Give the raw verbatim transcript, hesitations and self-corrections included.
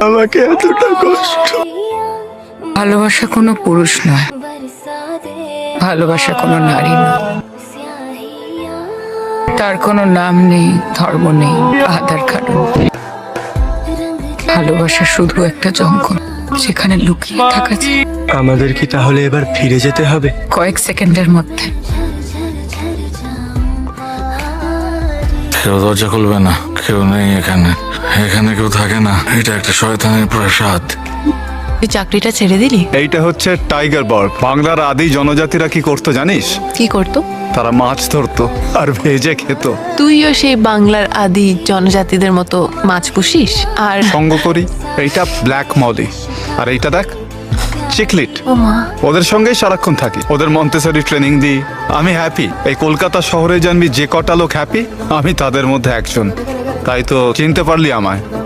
আমাকে এতটা কষ্ট। ভালোবাসা কোনো পুরুষ নয়, ভালোবাসা কোনো নারী নয়। তার কোনো নাম নেই, ধর্ম নেই, আধার কার্ড নেই। ভালোবাসা শুধু একটা জঙ্গল যেখানে লুকিয়ে থাকা যায়। আমাদের কি তাহলে এবার ফিরে যেতে হবে? কয়েক সেকেন্ডের মধ্যে। কেউ দরজা খুলবে না, কেউ নেই এখানে, এখানে কেউ থাকে না। এটা একটা শয়তানের প্রাসাদ। তুই চাকরিটা ছেড়ে দিলি? এইটা হচ্ছে টাইগার বার্ড। বাংলার আদি জনজাতিরা কি করতো জানিস? কি করতো? তারা মাছ ধরতো আর ভেজে খেত। তুইও সেই বাংলার আদি জনজাতিদের মতো মাছ পুষিস আর সঙ্গ করি। এইটা ব্ল্যাক মলি, আর এইটা দেখ চিকলিট। ও মা, ওদের সঙ্গেই সারাক্ষণ থাকি, ওদের মন্তেসরি ট্রেনিং দিই। আমি হ্যাপি। এই কলকাতা শহরে জানবি যে কটা লোক হ্যাপি, আমি তাদের মধ্যে একজন। তাই তো চিনতে পারলি আমায়।